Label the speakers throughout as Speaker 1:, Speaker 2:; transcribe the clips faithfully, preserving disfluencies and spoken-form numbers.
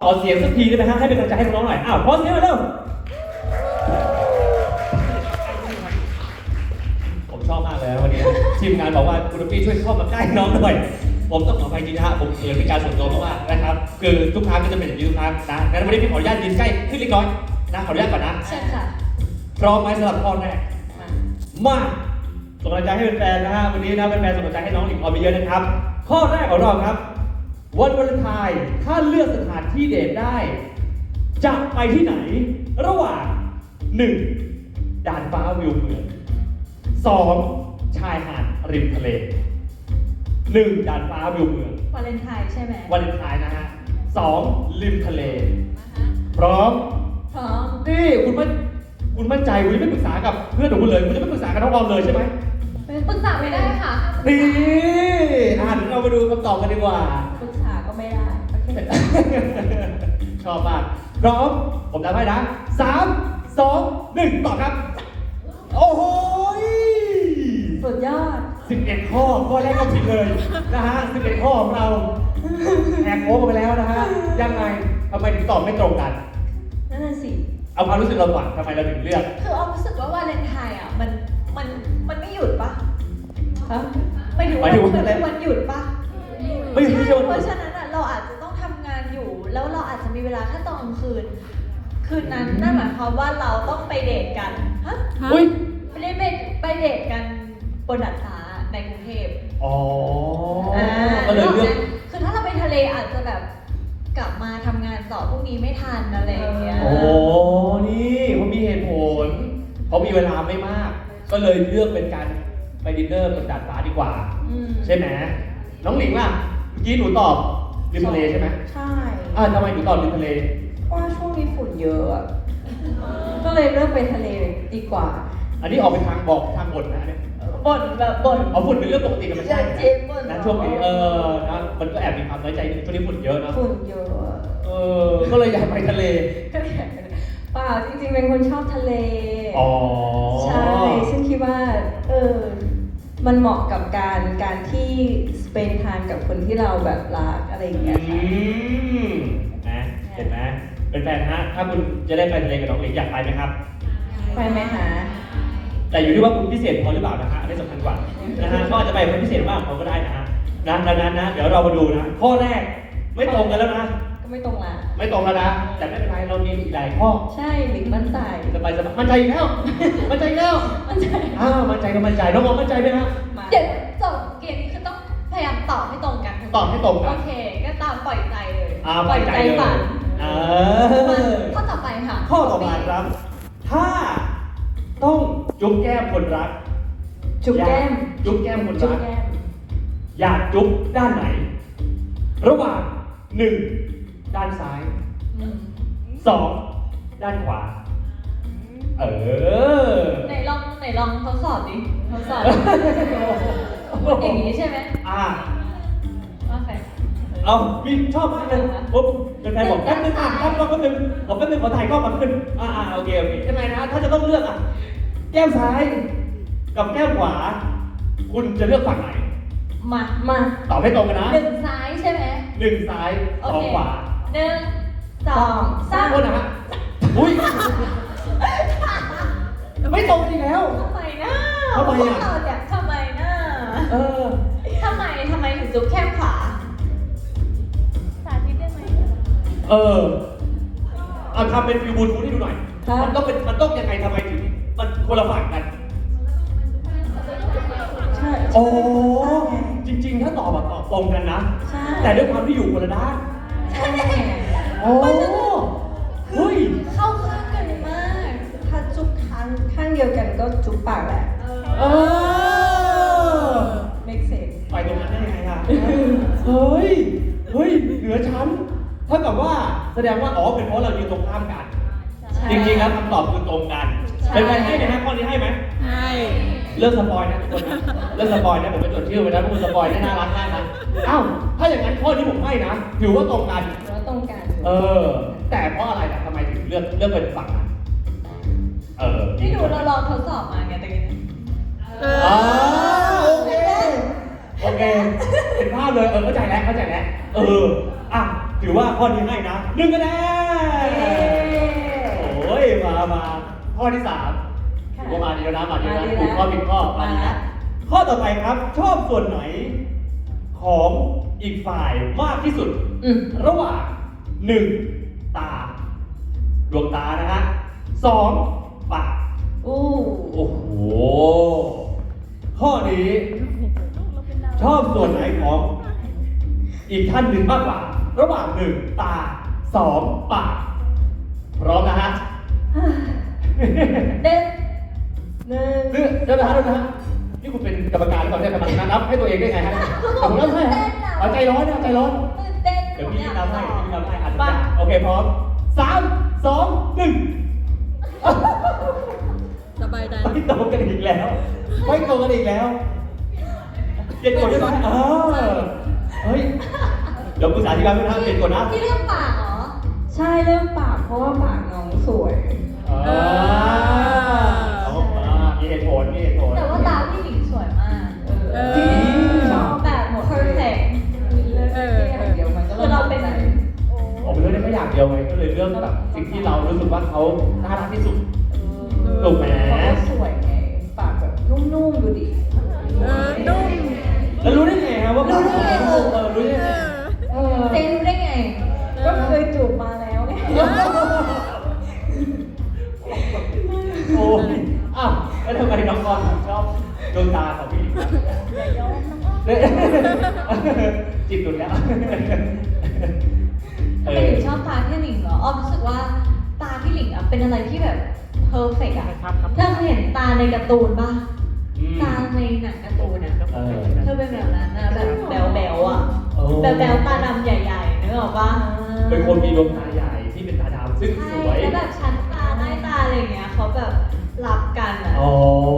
Speaker 1: ขอเสียงสักทีได้ไหมฮะให้เป็นกำลังใจให้น้องๆหน่อยอ้าวขอเสียงหน่อยเร็วผมชอบมากเลยวันนี้ทีมงานบอกว่าคุณพี่ช่วยเข้ามาใกล้น้องหน่อยผมต้องขออภัยจริงนะฮะผมเขินเป็นการส่วนตัวมากๆนะครับคือทุกครั้งก็จะเป็นอย่างนี้ทุกครั้งนะงั้นวันนี้พี่ขออนุญาตยืนใกล้ขึ้นเล็กน้อยนะขออนุญาตก่อนนะ
Speaker 2: ใช่ค่ะ
Speaker 1: พร้อมไหมสำหรับข้อแรกมาส่งกำลังใจให้แฟนๆนะฮะวันนี้นะแฟนๆส่งกำลังใจให้น้องหลิงออมไปเยอะนะครับข้อแรกของเราครับวันวาเลนไทน์ถ้าเลือกสถานที่เดทได้จะไปที่ไหนระหว่างหนึ่งด่านฟ้าวิวเมืองสองชายหาดริมทะเลหนึ่งด่านฟ้าวิวเมือง
Speaker 2: วาเลนไทน์ใช่ไหม
Speaker 1: วาเลนไทน์นะฮะสองริมทะเลพร้อม
Speaker 2: พร้อม
Speaker 1: นี่คุณมั่นคุณมั่นใจคุณจะไม่ปรึกษากับเพื่อนของคุณเลยคุณจะไม่ปรึกษากับน้องออมเลยใช่ไหม
Speaker 2: ปรึกษาไม่ได้ค่ะ
Speaker 1: นี่อ่านเรามาดูคำตอบกันดีกว่า
Speaker 2: ปรึกษาก็ไม่ได้โอเค
Speaker 1: ชอบมากพร้อมผมนับให้นะสามสองหนึ่งตอบครับโอ้โห
Speaker 2: สุดยอด
Speaker 1: สิบเอ็ดข้อข้อแรกก็ผิดเลยนะฮะสิบเอ็ดข้อของเราแอบโค้งไปแล้วนะฮะยังไงทำไมถึงตอบไม่ตรงกัน
Speaker 2: นั่นน่ะสิ
Speaker 1: เอาความรู้สึกเราก่อนทำไมเราถึงเลือก
Speaker 2: คือออมรู้สึกว่าวาเลนไทน์อ่ะมันมันมันไม่หยุดปะฮะไม่ถึงว่ามันเป็นวันหยุดปะ
Speaker 1: ไม่ใช่
Speaker 2: ใช่
Speaker 1: วันหยุด
Speaker 2: เพราะฉะนั้นอ่ะเราอาจจะต้องทำงานอยู่ แล้วเราอาจจะมีเวลาแค่ตอนกลางคืน คืนนั้นนั่นหมายความว่าเราต้องไปเดทกันฮะ
Speaker 1: อุ้ย
Speaker 2: ไม่ได้ไปไปเดทกันบนดาดฟ้าในกรุงเทพ
Speaker 1: อ๋อ
Speaker 2: อ่า
Speaker 1: ก็เลยเลือก
Speaker 2: คือถ้าเราไปทะเลอาจจะแบบกลับมาทำงานต่อพรุ่งนี้ไม่ทันอะไรอย่างเงี้ย
Speaker 1: โอ้นี่เขามีเหตุผลเขามีเวลาไม่มาก ก็เลยเลือกเป็นการไปดินเนอร์บนดาดฟ้าดีกว่า
Speaker 2: อืม
Speaker 1: ใช่ไหมน้องหลิงล่ะเมื่อกี้หนูตอบริมทะเลใช่ไหม
Speaker 3: ใช่
Speaker 1: อ่าทำไมหนูตอบริมทะเล
Speaker 3: ว่าช่วงนี้ฝุ่นเยอะอะก็เลยเลือกไปทะเลดีกว่า
Speaker 1: อันนี้ออกเป็นทางบอกทางบนนะเนี่ย
Speaker 2: บ่นแบบบ่น
Speaker 1: เอาฝุ่นเป็นเรื่องปกติกันไม่
Speaker 2: อ
Speaker 1: ใช่
Speaker 2: ยากเจ็บบ่น
Speaker 1: นะช่วงนี้เออนะมันก็แอบมีความน้อยใจนิดนึงช่วงนี้ฝุ่นเยอะเนอะ
Speaker 3: ฝุ่นเยอะอะ
Speaker 1: เออก็เลยอยากไปทะเล
Speaker 3: ก็เลยอยากไปเปล่าจริงๆเป็นคนชอบทะเล
Speaker 1: อ๋อ
Speaker 3: ใช่ซึ่งคิดว่า เออ มันเหมาะกับการการที่สเปนทานกับคนที่เราแบบรักอะไรอย่างเงี้ย
Speaker 1: อืมนะเห็นไหมเป็นแฟนฮะถ้าคุณจะได้ไปทะเลกับน้องหลิงอยากไปไหมครับ
Speaker 3: ไปไหมคะ
Speaker 1: แต่อยู่ที่ว่าคุณพิเศษพอหรือเปล่านะฮะอันนี้สำคัญกว่านะฮะก็อาจจะไปคนพิเศษบ้างเขาก็ได้นะฮะนะดังนั้นนะเดี๋ยวเรามาดูนะข้อแรกไม่ตรงกันแล้วนะ
Speaker 3: ก็ไม่ตรงละ
Speaker 1: ไม่ตรงแล้วนะแต่ไม่เป็นไรเรามีอีกหลายข้อ
Speaker 3: ใช่หลิงมั่นใจ
Speaker 1: สบายสบายมั่นใจอีกแล้วมั่นใจอีกแล้ว
Speaker 3: มั่นใจ
Speaker 1: อ้าวมั่นใจก็มั่นใจน้องมองมั่นใจไหมฮะ
Speaker 3: มา
Speaker 2: เดี๋ยวจบเกมนี้คือต้องพยายามตอบให้ตรงกัน
Speaker 1: ตอบให้ตรงกั
Speaker 2: โอน เค ก็ตามปล่อยใจเลย
Speaker 1: อ่าปล่อยใจเลย
Speaker 2: ฝัน
Speaker 1: เอ
Speaker 2: มา
Speaker 1: อ
Speaker 2: ข้อต่อไปค่ะ
Speaker 1: ข้อต่อมาครับ ถ้าต้องจุ๊บแก้มคนรัก
Speaker 3: จุ๊บแก้ม
Speaker 1: จุ๊บแก้มคน
Speaker 3: จุ๊บ
Speaker 1: รัก
Speaker 3: แก้ม
Speaker 1: อยากจุ๊บด้านไหน ระหว่างหนึ่งด้านซ้าย
Speaker 2: อืม
Speaker 1: สองด้านขวา เออ
Speaker 2: ไหนลองไหนลองทดสอบดิทดสอบอย่างนี้ใช่ไหม
Speaker 1: อ่า
Speaker 2: โอเค
Speaker 1: เอามีชอบมากเลยปุ๊บเป็นแฟนบอกแป๊บนึงอ่ะแป๊บนึงแป๊บนึงขอแป๊บนึงขอถ่ายกล้องก่อนแป๊บนึงอ่าอ่าโอเคโอเคใช่ไหมนะ ถ้าจะต้องเลือกอ่ะ แก้มซ้าย กับแก้มขวา คุณจะเลือกฝั่งไหน
Speaker 2: มา
Speaker 3: มา
Speaker 1: ตอบให้ตรงกันนะ
Speaker 2: หนึ่งซ้ายใช่ไหม
Speaker 1: หนึ่งซ้าย
Speaker 2: โอ
Speaker 1: สอง
Speaker 2: เค
Speaker 1: ขวา
Speaker 2: หนึ่งสองสาม
Speaker 1: โทษนะฮะอุ้ย ไม่ตรงอีกแล้ว
Speaker 2: ทำไมนะ
Speaker 1: ทำไมอะ
Speaker 2: พวกเราเนี่ยทำไมนะ
Speaker 1: เออ
Speaker 2: ทำไมทำไมถึงจุ๊บแค่ขวาสาธิตได้ไหม
Speaker 1: เออ เอาทำเป็นฟิวบูลทูธให้ดูหน่อย
Speaker 3: ครับ
Speaker 1: มันต้องเป็น มันต้องยังไงทำไมถึง มันคนละฝั่งกัน
Speaker 3: ใช่
Speaker 1: โอ้ จริง ๆ ถ้าตอบแบบตอบตรงกันนะ
Speaker 3: ใช่
Speaker 1: แต่ด้วยความที่อยู่คนละด้าน
Speaker 3: ใช่
Speaker 1: โอ้เฮ้ย
Speaker 2: เข้าข้างกันมาก
Speaker 3: ถ้าจุ๊บข้างข้างเดียวกันก็จุ๊บปากแหละ
Speaker 1: เออ
Speaker 3: make sense
Speaker 1: ไปตรงนั้นได้ยังไงล่ะ เฮ้ย เฮ้ย เหนือชั้นเท่ากับว่าแสดงว่า อ๋อ เป็นเพราะเรายืนตรงข้ามกัน
Speaker 3: ใช่
Speaker 1: จริงๆแล้วคำตอบคือตรงกัน
Speaker 2: ใช่
Speaker 1: เป็นไปให้ไหมฮะข้อนี้ให้ไหม
Speaker 3: ใช่
Speaker 1: เลิกสปอยนะทุกคนนะเลิกสปอยนะผมไปจดชื่อไว้นะพวกคุณสปอยได้น่ารักมากนะอ้าวถ้าอย่างนั้นข้อนี้ผมให้นะถือว่าตรงกัน
Speaker 3: หรือว่าตรงกัน
Speaker 1: เออ แต่เพราะอะไรนะทำไมถึงเลือกเลือกเป็นฝั่งนั้นเออ
Speaker 2: ที่ดูเราลองทดสอบมาไงตะกี้
Speaker 1: อ๋อโอเคโอเคเห็นภาพเลยเออเข้าใจแล้วเข้าใจแล้วเอออ่ะถือว่าข้อนี้ให้นะหนึ่งคะแนน
Speaker 3: เย้
Speaker 1: โอ้ยมามาข้อที่สาม
Speaker 3: ค่ะ
Speaker 1: ถือว่ามาดีแล้วนะมาดีแล้ว
Speaker 3: มาดี
Speaker 1: นะ
Speaker 3: แล้ว
Speaker 1: ถูกข้อผิดข้อมาดี
Speaker 3: มาแล้
Speaker 1: นะ
Speaker 3: ว
Speaker 1: ข้อต่อไปครับ ชอบส่วนไหนของอีกฝ่ายมากที่สุด
Speaker 3: อืม
Speaker 1: ระหว่างหนึ่งตา ดวงตานะฮะสองปาก
Speaker 3: อู้
Speaker 1: โอ้โห ข้อนี้ ชอบส่วนไหนของอีกท่านหนึ่งมากกว่า ระหว่างหนึ่งตาสองปาก พร้อมนะฮะ
Speaker 2: เด็ด
Speaker 3: หนึ่ง
Speaker 1: เดี๋ยวเดี๋ยวนะฮะเดี๋ยวนะฮะนี่คุณเป็นกรรมการก่อนเนี่ยกรรมการนับให้ตัวเองได้ไงฮะผมนับให้ฮะเอาใจร้อนนะเอาใจร้อน
Speaker 2: ตื่นเต้น
Speaker 1: เดี๋ยวพี่นับให้พี่นับให้อัน
Speaker 2: มา
Speaker 1: นี้โอเคพร้อมสามสองหนึ่ง
Speaker 4: สบายใจ
Speaker 1: ไม่ตรงกันอีกแล้ว ไม่ตรงกันอีกแล้วเปลี่ยนกฎได้ไหมเออเฮ้ย เดี๋ยวปรึกษาที่บ้านไม่ทันเปลี่ยนกฎนะ
Speaker 2: ที่เรื่องปากเหรอ
Speaker 3: ใช่เริ่มปากเพราะว่าปากน้องสวย
Speaker 1: อ่าเอามามีเหตุผลมีเหตุผล
Speaker 2: แต่ว่าตาพี่หลิงสวยมาก
Speaker 3: เอ
Speaker 4: อ
Speaker 3: จริงชอบแบบหมด
Speaker 2: perfect
Speaker 3: เลือกแค่อย่างเดียวมันก็
Speaker 2: คือเราเป็น
Speaker 3: ใจ
Speaker 1: ผมเลือกได้แค่อย่างเดียวไงก็เลยเลือกแบบสิ่งที่เรารู้สึกว่าเขาน่ารักที่สุด ถูกไหม
Speaker 3: เพราะเขาสวยไงปากแบบนุ่มๆดูดิ
Speaker 4: เออนุ่ม
Speaker 1: แล้วรู้ได้ไงฮะว่า
Speaker 2: รู้ได้ไง
Speaker 1: เออเออรู้ได้ไง
Speaker 3: เออ
Speaker 2: เจนรู้ได้ไง
Speaker 3: ก็เคยจูบมาแล้วไง
Speaker 1: โอ้ยอ้าวแล้วทำไมน้องกอนถึงชอบดวงตาของพี่เนี่ยจิตหลุดแล้ว
Speaker 2: ทำไมถึงชอบตาพี่หลิงเหรออ้อมรู้สึกว่าตาพี่หลิงอะเป็นอะไรที่แบบเพอร์เฟกต์อะเธอเคยเห็นตาในการ์ตูนป่ะ
Speaker 1: อืม
Speaker 2: ตาในหนังการ์ตูนอะ
Speaker 1: เออ
Speaker 2: เธอเป็นแบบนั้นนะแบบแบวแบวๆอะ
Speaker 1: โอ้
Speaker 2: แบวแบวๆตาดำใหญ่ๆนึกออกป่ะ
Speaker 1: เป็นคนมีดวงตาใหญ่ที่เป็นตาดำซึ่ง
Speaker 2: ใช่
Speaker 1: สวย
Speaker 2: แล้วแบบชั้นตาใต้ตาอะไรอย่างเงี้ยเขาแบบรับกันอะ
Speaker 1: อ๋อ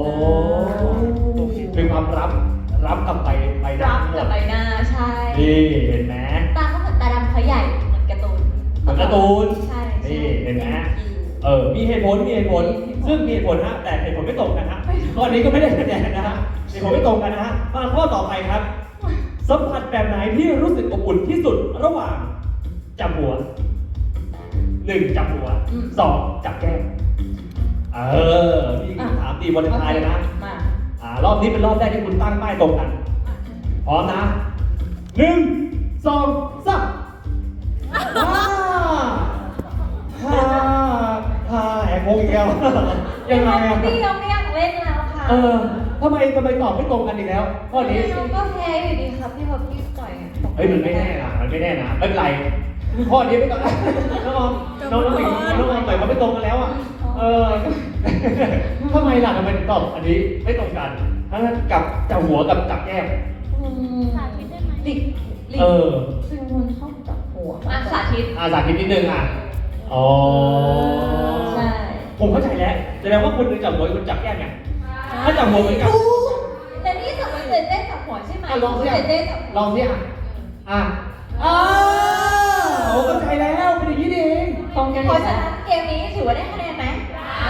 Speaker 1: เป็นความรับรับกับใบใบหน้า
Speaker 2: รับกับใบหน้าใช่
Speaker 1: นี่เห็นไหม
Speaker 2: ตาเขาเหมือนตาดำเขาใหญ่เหมือนการ์ตูน
Speaker 1: เหมือนการ์ตูน
Speaker 2: ใช่ใช่
Speaker 1: นี่เห็นไหมเออ มีเหตุผล มีเหตุผล ซึ่งมีเหตุผลฮะ แต่เหตุผลไม่ตรงกันฮะข้อนี้ก็ไม่ได้คะแนนนะฮะเหตุผลไม่ตรงกันนะฮะ มาข้อต่อไปครับ สัมผัสแบบไหนที่รู้สึกอบอุ่นที่สุดระหว่างจับหัวหนึ่งจับหัวสองจับแก้มเออนี่ถามตีวันทายเลยนะ
Speaker 3: มา
Speaker 1: อ่ารอบนี้เป็นรอบแรกที่คุณตั้งป้ายตรงกัน พร้อมนะหนึ่งสองสามฮ่าฮ่าฮ่าแอบงงอีกแล้วยังไงอะ
Speaker 2: พี่ยอมไม่อยากเล่นแล้วค่ะ
Speaker 1: เออทำไมทำไมตอบไม่ตรงกันอีกแล้วข้อนี้
Speaker 2: พี่ยอมก็แพ้อยู่ดีครับพี่พอพี่ต่อยอะ
Speaker 1: เฮ้ยมันไม่แน่นะมันไม่แน่นะไม่เป็นไรข้อนี้ไม่ต้องน้องออมน้องน้องหลิงน้องออมต่อยเขาไม่ตรงกันแล้วอ่ะเออทำไมล่ะทำไมถึงตอบอันนี้ไม่ตรงกันทั้งนั้นกับจับหัวกับจับแก้ม
Speaker 3: อืมหลิกหลิก
Speaker 1: เออ
Speaker 3: เป็นคนชอบจับหัว
Speaker 2: อ่ะสาธิต
Speaker 1: อาสาธิตนิดนึงอ่ะ อ๋อ
Speaker 3: ใช่
Speaker 1: ผมเข้าใจแล้วแสดงว่าคนหนึงจับหัวอีกคนจับแก้มไงถ้าจับหัวเหมือนกัน
Speaker 2: แต่นี่สมมติเจเต้จับหัวใช่ไหม
Speaker 1: อ่ะลองสิ
Speaker 2: เจ
Speaker 1: อ่ะ
Speaker 2: เต้จับหัว
Speaker 1: ลองสิอ่ะ อ่ะอ่าโอ้เข้าใจแล้วเป็นอย่างนี้นี่เอง
Speaker 3: ตรงกัน
Speaker 2: เพ
Speaker 3: อี
Speaker 2: ราะ
Speaker 3: ก
Speaker 2: ฉะ
Speaker 3: แล้ว
Speaker 2: นั้นเกมนี้ถือว่าได้คะแนนไหม
Speaker 4: ใช่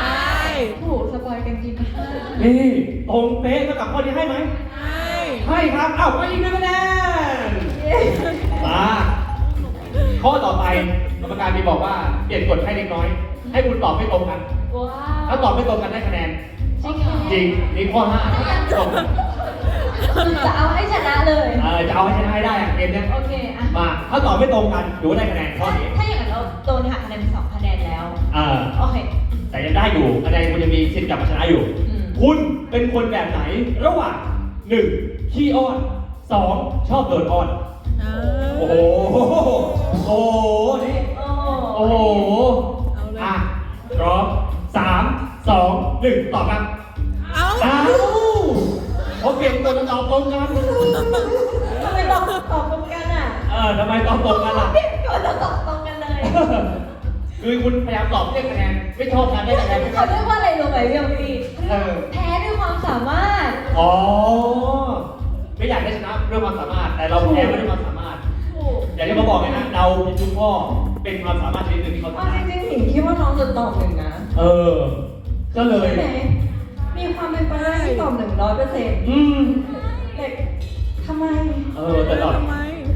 Speaker 2: ถูกสปอยกันจริงค่ะ
Speaker 1: นี่ตรงเป๊ะเท่ากับข้อนี้ให้ไหม
Speaker 4: ใช่
Speaker 1: ให้ครับ เอ้าไปอีกหนึ่งคะแนน มา ข้อต่อไปกรรมการมีบอกว่าเปลี่ยนกฎให้เล็กน้อย ให้คุณตอบไม่ตรงกัน
Speaker 2: ว้า
Speaker 1: ถ้าว ตอบไม่ตรงกันได้คะแนน
Speaker 2: จริงเหรอ
Speaker 1: จริงนี่ข้อห้าตรง
Speaker 2: จะเอาให้ชนะเลย
Speaker 1: เออจะเอาให้ชนะให้ได้อะเกมเนี้ย
Speaker 2: โอเคอะ
Speaker 1: มา ถ้าตอบไม่ตรงกันถือว่าได้คะแนนข้อ
Speaker 2: ถ้า
Speaker 1: นี้
Speaker 2: ถ้าอย่างนั้นเราโดนหักคะแนนเป็นสองคะแนนแล้ว
Speaker 1: เออ
Speaker 2: โอเค
Speaker 1: แต่ยังได้อยู่คะแนนคุณจะมีสิทธิ์กลับมาชนะอยู่
Speaker 2: อืม
Speaker 1: คุณเป็นคนแบบไหน ระหว่างหนึ่งขี้อ้อนสองชอบโดนอ้อน
Speaker 4: เออ
Speaker 1: โอ้โห โอ้โห นี่
Speaker 2: โอ้
Speaker 1: โอ้โห
Speaker 4: เอาเลย
Speaker 1: อ่ะพร้อมสามสองหนึ่งตอบครับ
Speaker 4: เอา
Speaker 1: อ้าวเขาเปลี่ยนตัวตอบตรงกัน
Speaker 2: ทำไมตอบตอบตรงกันอ่ะ
Speaker 1: เออทำไมตอบตรงกันล่ะ
Speaker 2: เปลี่ยนก่อนแล้วตอบตรงกันเลย
Speaker 1: คือคุณพยายามตอบเรียกคะแนน ไม่ชอบการได้คะแนนใช่ไหม
Speaker 2: เขาเรียกว่าอะไรรู้ไหมพี่อมพี่
Speaker 1: เออ
Speaker 2: แพ้ด้วยความสามารถ
Speaker 1: อ๋อ ไม่อยากได้ชนะด้วยความสามารถ แต่เราแพ้ไม่ด้วยความสามารถ
Speaker 2: ถูก
Speaker 1: อย่างที่เขาบอกไงนะเราผิดทุกข้อเป็นความสามารถชนิดหนึ่งที่เขา
Speaker 3: เอา
Speaker 1: ทำได้
Speaker 3: จริงๆหลิงคิดว่าน้องจะตอบหนึ่งนะ
Speaker 1: เออ ก็เลย
Speaker 3: ใช่ไหมมีความเป็นไปได้ที่ตอบหนึ่งร้อยเปอร์เซ็นต์
Speaker 1: อืม
Speaker 3: แต่ทำไม
Speaker 1: เออแต่ตอบ
Speaker 4: ทำไม
Speaker 2: เกิด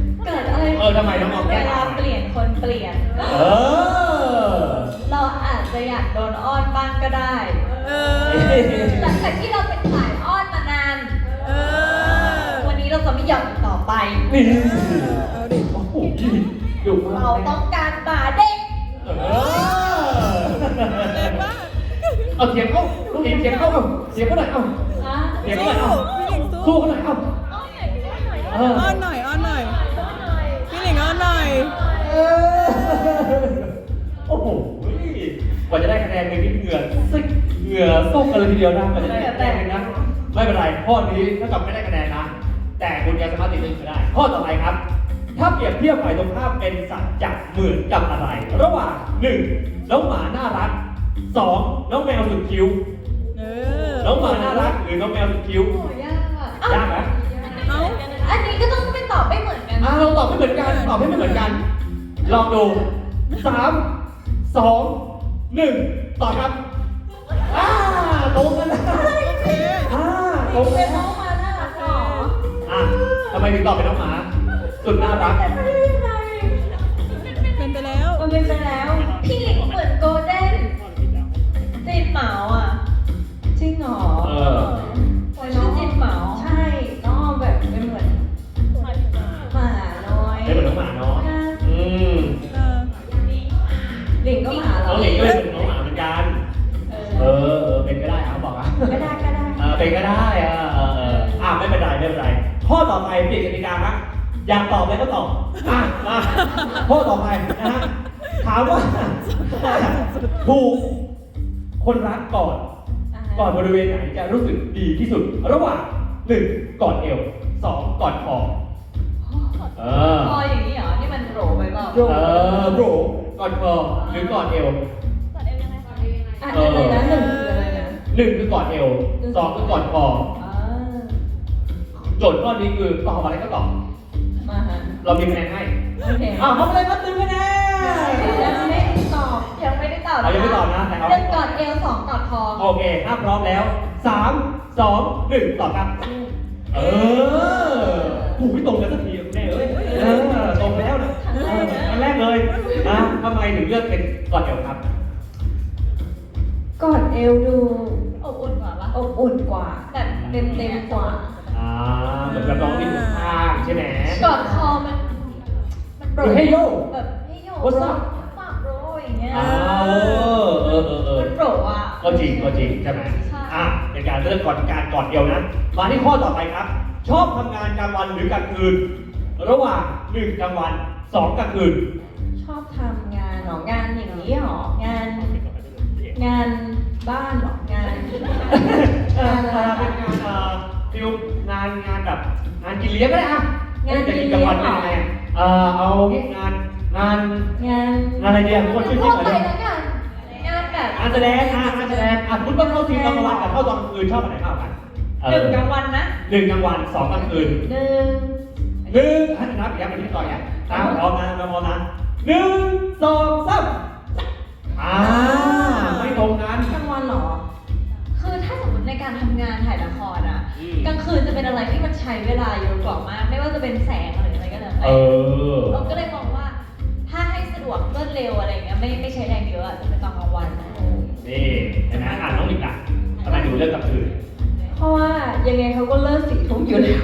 Speaker 2: อะไร
Speaker 1: เออทำไมน้องออม
Speaker 2: เว
Speaker 1: แก้
Speaker 2: ลา
Speaker 1: ต่าง
Speaker 2: เปลี่ยนคนเปลี่ยน
Speaker 1: เออ
Speaker 2: เราอาจจะอยากโดนอ้อนบ้างก็ได้
Speaker 4: เออ
Speaker 2: หลังจากที่เราเป็นสายอ้อนมานาน
Speaker 4: เออ
Speaker 2: วันนี้เราจะไม่ยอมอีกต่อไป
Speaker 1: นี่
Speaker 4: เอาดิ
Speaker 1: โอ้โหดุมาก
Speaker 2: เราต้องการหมาเด็ก
Speaker 1: เออเอาเสียงเข้าลูกเองเสียงเข้าเอาเสียงเขาหน่อยเอาเสียงเขาหน่อยเอา
Speaker 4: พี่หลิงสู้
Speaker 1: สู้เขาหน่อยเอาเออ
Speaker 4: อ้อนหน่อยอ้อนหน่อยพี่หลิงอ้อนหน่อย
Speaker 1: เออโอ้โหกว่าจะได้คะแนนในนี้เหงื่อซึกเหงื่อส้มกันเลยทีเดียวนะกว่าจะได้คะแนนนะไม่เป็นไรข้อนี้ถ้ากับไม่ได้คะแนนนะแต่คุณยังสามารถติดหนึ่งก็ได้ ข้อต่อไปครับ ถ้าเปรียบเทียบฝ่ายตรงข้ามเป็นสัตว์จับเหมือนกับอะไร ระหว่างหนึ่งน้องหมาน่ารักสองน้องแมวสุดคิ้ว
Speaker 4: เออ
Speaker 1: น้องหมาน่ารักหรือน้องแมวสุดคิ้ว
Speaker 2: โอ้ยากอ่ะ
Speaker 1: ยากไหม
Speaker 4: เอ้า
Speaker 2: อันนี้ก็ต้องไปตอบไม่เหมือนกัน
Speaker 1: อ่าเราตอบไม่เหมือนกันตอบให้ไม่เหมือนกัน ลองดูสามสองหนึ่งตอบครับอ่าตรงกันนะ
Speaker 4: โอเค
Speaker 1: อ่าตรง
Speaker 2: เป็
Speaker 1: กัน น
Speaker 2: น้องหมาน่ารักหรอ
Speaker 1: อ่ะทำไมถึงตอบเป็นน้องหมา สุดน่ารัก
Speaker 2: แต่ไม่ได้ยังไง
Speaker 4: เป็นไปแล้ว
Speaker 2: มันเป็นไปแล้ว พี่หลิงเหมือนโกลเด้นจีนเหมาอ่ะ
Speaker 3: จริงเหรอ
Speaker 1: เออ
Speaker 2: ชื่อจีนเหมา
Speaker 3: ใช่น้องแบบเป็นเหมือนหมาน้อย
Speaker 1: ได้เหมือนน้องหมาเนาะอืม
Speaker 4: เออ
Speaker 3: หลิงก็หมาเหร
Speaker 1: น้
Speaker 3: อ
Speaker 1: องหลิงก็เป็นเหมือนน้องหมาเหมือนกัน เออเออเป็นก็ได้อ่ะบอกอ่ะ
Speaker 3: ก็ได้ก็ได้
Speaker 1: เออเป็นก็ได้อ่ะเออเอออ่ะไม่เป็นไรไม่เป็นไร ข้อต่อไปเปลี่ยนกติกาครับอยากตอบอะไรก็ตอบอ่ะมาข้อต่อไปนะฮะถามว่าถูกคนรักก่อน ก่อนบริเวณไหนจะรู้สึกดีที่สุด ระหว่างหนึ่งก่อนเอวสองก่อนคอเออ
Speaker 2: พออย่างนี้เหรอ นี่มันโหรไปเปล่า
Speaker 1: เออโบรก่อนคอหรือก่อนเอว
Speaker 3: อ่ะอะไรนะหนึ่งคืออะไรนะ
Speaker 1: หนึ่งคือก่อนเอวสองคือก่อนคอ
Speaker 3: อ่า
Speaker 1: โจทย์ข้อนี้คือตอบอะไรก็ตอบ
Speaker 3: มาฮะ
Speaker 1: เรามีคะแนนให้
Speaker 3: โอเค
Speaker 1: อ้าวทำอะไรครับตึงคะแนน
Speaker 3: ยังไม่ได้ตอบ
Speaker 2: ยังไม่ได้ตอบ
Speaker 1: เรายังไม่ตอบนะแต่เอา
Speaker 2: หนึ่งก่อนเอวสองก่อนคอ
Speaker 1: โอเคถ้าพร้อมแล้วสามสองหนึ่งตอบครับ เออถูกไม่ตรงกันสักทีแน่เอ้ยเออตรงแล้วนะเอออันแรกเลยนะทำไมถึงเลือกเป็นก่อนเอวครับ
Speaker 3: กอดเอวดู
Speaker 2: อบอุ่นกว่าปะ
Speaker 3: อบอุ่นกว่า
Speaker 2: แบบเต็มเต็มๆกว่า
Speaker 1: อ่าเหมือนกับน้องที่อยู่ข้างใช่ไหม
Speaker 2: ก่อนคอมัน มันโปร
Speaker 1: หรือให้โยก
Speaker 2: แบบให้โยก
Speaker 1: What's up?
Speaker 2: ปากโปรอย่างเงี้ย
Speaker 1: อ้าวเออเออเออ
Speaker 2: มันโปรอ่ะ
Speaker 1: ก็จริงก็จริงใช่ไหม
Speaker 2: ใช่
Speaker 1: อ่ะเป็นการเลือกก่อนการก่อนเดียวนะ มาที่ข้อต่อไปครับ ชอบทำงานกลางวันหรือกลางคืน ระหว่างหนึ่งกลางวันสองกลางคืน
Speaker 3: ชอบทำงานเหรองานอย่างนี้เหรองาน งานบ้านเหรองาน
Speaker 1: เออเป็นงานเอ่อฟิลงานงานแบบงานกินเลี้ยงก็ได้อะ
Speaker 3: งานกินเลี้ยง
Speaker 1: กลางวันเป็นยังไงอะเออเอางี้งานงาน
Speaker 3: งาน
Speaker 1: งานอะไรดีอ่ะทุกคนช่วยคิด
Speaker 2: ทั่ว
Speaker 1: หน่อย
Speaker 2: ไป
Speaker 1: ดิ
Speaker 2: แล้วกันงานแบบ
Speaker 1: งานแสดงอ่ะงานแสดงอ่ะคุณต้องเข้าทีมกลางวันกับเข้าตอนกลางคืนชอบอันไหนมากกว่ากันเอ
Speaker 2: หนึ่
Speaker 1: อง
Speaker 2: กลางวันนะ
Speaker 1: หนึ่งกลางวันสองกลางคืน
Speaker 3: หนึ่ง
Speaker 1: หนึ่งให้นับอีกแล้วเป็นที่ต่ออย่างตามพร้อมนะพร้อมนะหนึ่งสองสามอ่าไม่ตรงกัน
Speaker 3: กลางวันเหรอ
Speaker 2: คือถ้าสมมติในการทำงานถ่ายละครอ่ะ
Speaker 1: อืม
Speaker 2: กลางคืนจะเป็นอะไรที่มันใช้เวลาเยอะกว่ามาก ไม่ว่าจะเป็นแสงหรืออะไรก็แล้ว
Speaker 1: เอ
Speaker 2: แต่
Speaker 1: อ
Speaker 2: เราก็เลยมองว่า ถ้าให้สะดวกรวดเร็วอะไรเงี้ยไม่ไม่ใช้แรงเยอะอะจะเป็นตอนกลางวัน
Speaker 1: นี่เห็นไหมอ่านน้องหลิงอ่ะทำไมดูเรื่องกลางคืน
Speaker 3: เพราะว่ายังไงเขาก็เลิกสี่ทุ่มอยู่แล้ว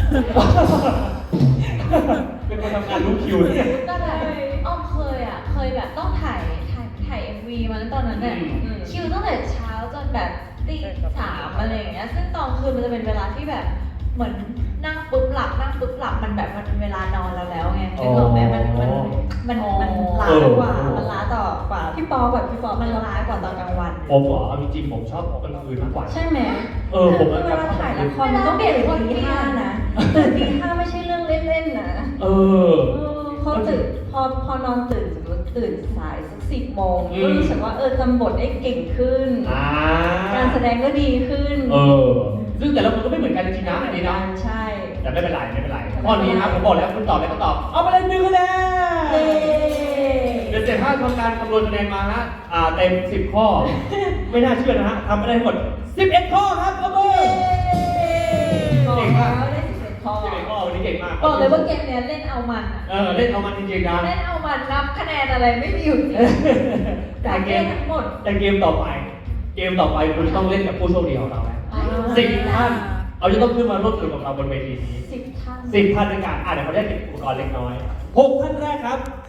Speaker 1: เป็นคนทำงานรู้คิวเนี่ย
Speaker 2: ก็แบบอ้อมเคยอ่ะ เคยแบบต้องถ่ายถ่ายถ่ายเอ็มวีมาตอนนั้นเนี่ย
Speaker 1: อืม
Speaker 2: คิวตั้งแต่เช้าจนแบบตีสามอะไรอย่างเงี้ย ซึ่งตอนคืนมันจะเป็นเวลาที่แบบเหมือนนั่งปุ๊บหลับนั่งปุ๊บหลับมันแบบมันเป็นเวลานอนเราแล้วไงนึกออกไหมมันมันมันมันล้ากว่ามันล้าต่อกว่า
Speaker 3: พี่ปอแบบพี่ปอ
Speaker 2: มันล้ากว่าตอนกลางวัน
Speaker 1: ผมเหรอเอาจริงๆผมชอบกลางคืนมากกว่า
Speaker 3: ใช่ไหม
Speaker 1: เออผม
Speaker 3: เว
Speaker 1: ก็ชอบ
Speaker 3: ลาถ่ายละคร
Speaker 2: เว
Speaker 3: มัน
Speaker 2: ลา
Speaker 3: ต้อง
Speaker 2: เปลี่
Speaker 3: ตื่
Speaker 2: ย
Speaker 3: น
Speaker 2: นคน
Speaker 3: ตี
Speaker 2: เปลี่ยน
Speaker 3: ห้านะตื่นตีห้าไม่ใช่เรื่องเล่นๆนะ
Speaker 1: เออ
Speaker 3: เออพอตื่นพอพอนอนตื่นสมมติตื่นสายสักสิบโมง
Speaker 1: อืม
Speaker 3: ก็รู้สึกว่าเออจำบทได้เก่งขึ้น
Speaker 1: อ่า
Speaker 3: การแสดงก็ดีขึ้น
Speaker 1: เออ ซึ่งแต่ละคนก็ไม่เหมือนกันจริงๆนะอันนี้นะ
Speaker 3: ใช่
Speaker 1: แต่ไม่เป็นไรไม่เป็นไรข้อนี้ครับผมบอกแล้วคุณตอบอะไรก็ตอบ เอาไปเลยหนึ่งคะแนน
Speaker 3: เย้
Speaker 1: เดี๋ยวเสร็จถ้าทำการคำนวณคะแนนมาฮะอ่าเต็มสิบข้อ ไม่น่าเชื่อนะฮะทำไปได้ทั้งหมดสิบเอ็ดข้อครับเอามือ
Speaker 3: บอก
Speaker 1: เก่ง
Speaker 3: แล้
Speaker 1: มาก
Speaker 3: วได้สิบเอ็ดข้อ
Speaker 1: สิบเอ็ดข้อวันนี้นี้เก่งมาก
Speaker 2: บอกเลยว่าเกมเนี้ยเล่นเอามันอะ
Speaker 1: เออเล่นเอามันจริงๆนะ
Speaker 2: เล่นเอามันนับคะแนนอะไรไม่มีอยู่จริง
Speaker 1: แต่เกม
Speaker 2: ทั้งหมด
Speaker 1: แต่เกมต่อไป เกมต่อไปคุณต้องเล่นกับผู้โชคดีของเราแล้ว
Speaker 2: อ่า
Speaker 1: สิบท่านเอาจะต้องขึ้นมาร่วมสนุกกับเราบนเวทีนี้
Speaker 2: สิบท่าน
Speaker 1: สิบท่านด้วยกันอ่ะเดี๋ยวเขาได้ติดอุปกรณ์เล็กน้อยหกท่านแรกครับ